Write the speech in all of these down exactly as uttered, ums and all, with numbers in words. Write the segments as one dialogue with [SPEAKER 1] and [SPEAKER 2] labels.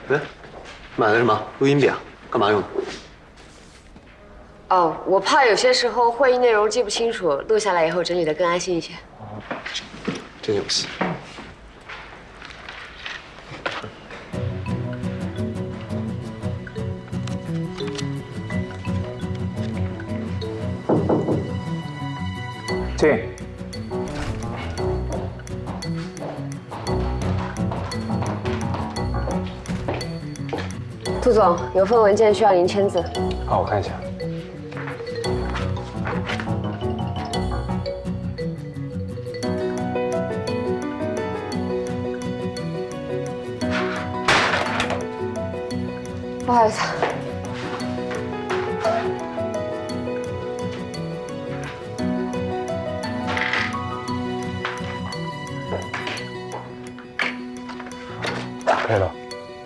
[SPEAKER 1] 哎，买的什么录音笔啊？干嘛用的？
[SPEAKER 2] 哦，我怕有些时候会议内容记不清楚，录下来以后整理的更安心一些。
[SPEAKER 1] 哦，真有戏。
[SPEAKER 3] 进。
[SPEAKER 2] 杜总，有份文件需要您签字。
[SPEAKER 3] 好，我看一下。
[SPEAKER 2] 不好意思。
[SPEAKER 3] 打开了。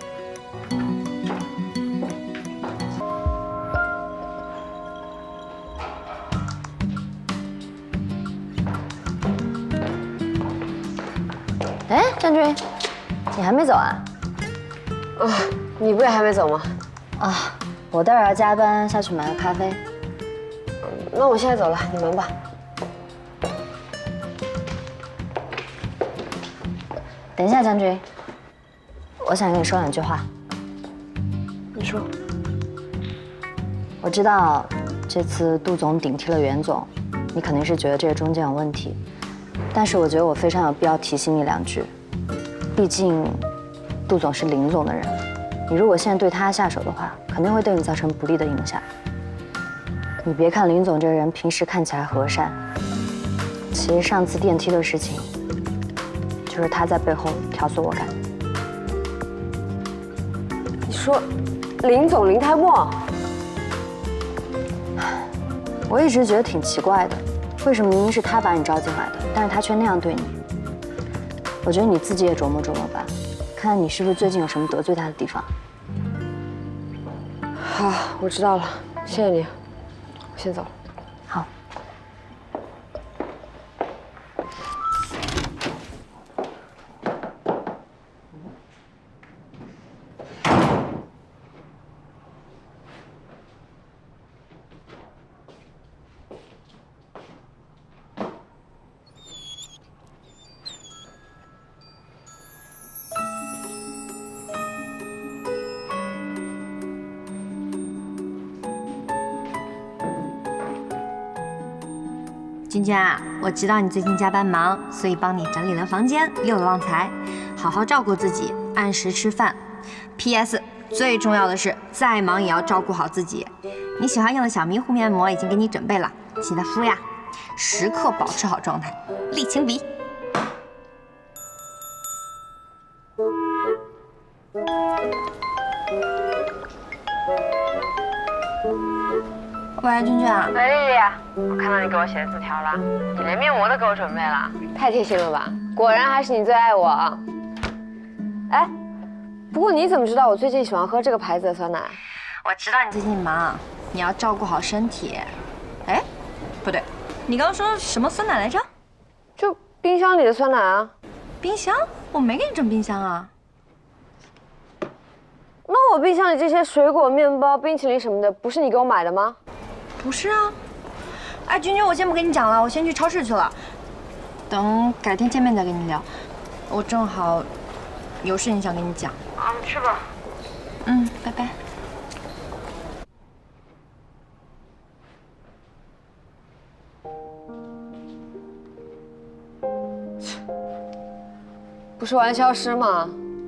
[SPEAKER 4] 哎，张军，你还没走啊？
[SPEAKER 2] 啊，你不也还没走吗？
[SPEAKER 4] 啊，我待会儿要加班，下去买个咖啡。
[SPEAKER 2] 那我现在走了，你忙吧。
[SPEAKER 4] 等一下，将军，我想跟你说两句话。
[SPEAKER 2] 你说。
[SPEAKER 4] 我知道这次杜总顶替了袁总，你肯定是觉得这个中间有问题，但是我觉得我非常有必要提醒你两句。毕竟，杜总是林总的人，你如果现在对他下手的话，肯定会对你造成不利的影响。你别看林总这个人平时看起来和善，其实上次电梯的事情。 就是他在背后挑唆我干的。
[SPEAKER 2] 你说，林总林泰墨？
[SPEAKER 4] 我一直觉得挺奇怪的，为什么明明是他把你招进来的，但是他却那样对你？我觉得你自己也琢磨琢磨吧，看看你是不是最近有什么得罪他的地方。
[SPEAKER 2] 好，我知道了，谢谢你，我先走了。
[SPEAKER 4] 好。
[SPEAKER 5] 君君啊，我知道你最近加班忙，所以帮你整理了房间，溜了旺财，好好照顾自己，按时吃饭。P S 最重要的是，再忙也要照顾好自己。你喜欢用的小迷糊面膜已经给你准备了，记得敷呀，时刻保持好状态，立情笔。喂，君君啊。
[SPEAKER 2] 喂，丽丽，我看到你给我写的字条了，你连面膜都给我准备了，太贴心了吧？果然还是你最爱我啊！哎，不过你怎么知道我最近喜欢喝这个牌子的酸奶？
[SPEAKER 5] 我知道你最近忙，你要照顾好身体。哎，不对，你刚刚说什么酸奶来着？
[SPEAKER 2] 就冰箱里的酸奶啊。
[SPEAKER 5] 冰箱？我没给你整冰箱啊。
[SPEAKER 2] 那我冰箱里这些水果、面包、冰淇淋什么的，不是你给我买的吗？
[SPEAKER 5] 不是啊，哎，君君，我先不跟你讲了，我先去超市去了，等改天见面再跟你聊。我正好有事情想跟你讲。
[SPEAKER 2] 啊，去吧。
[SPEAKER 5] 嗯，拜拜。
[SPEAKER 2] 不是玩消失吗？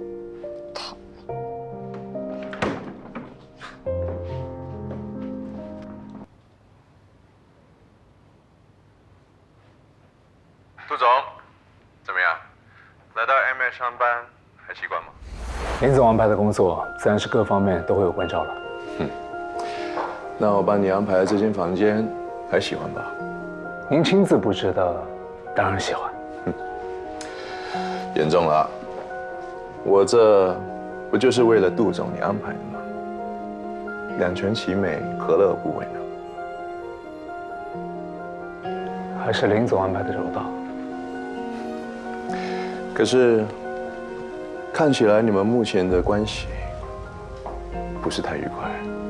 [SPEAKER 6] 杜总，怎么样？来到 M S 上班还习惯吗？
[SPEAKER 3] 林总安排的工作，自然是各方面都会有关照了。
[SPEAKER 6] 嗯，那我帮你安排的这间房间，还喜欢吧？
[SPEAKER 3] 您亲自布置的，当然喜欢。
[SPEAKER 6] 嗯，严重了，我这不就是为了杜总你安排的吗？两全其美，何乐而不为呢？
[SPEAKER 3] 还是林总安排的周到。
[SPEAKER 6] 可是，看起来你们目前的关系不是太愉快。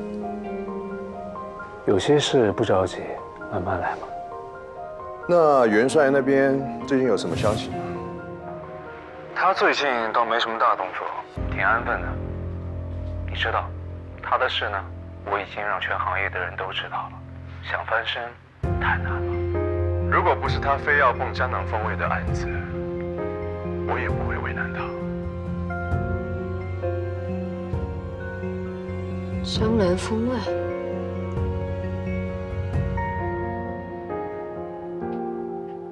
[SPEAKER 3] 有些事不着急，慢慢来嘛。
[SPEAKER 6] 那元帅那边最近有什么消息吗？
[SPEAKER 3] 他最近倒没什么大动作，挺安分的。你知道，他的事呢，我已经让全行业的人都知道了。想翻身太难了。如果不是他非要蹦江南风味的案子，我也不会为难他。
[SPEAKER 2] 江南风味。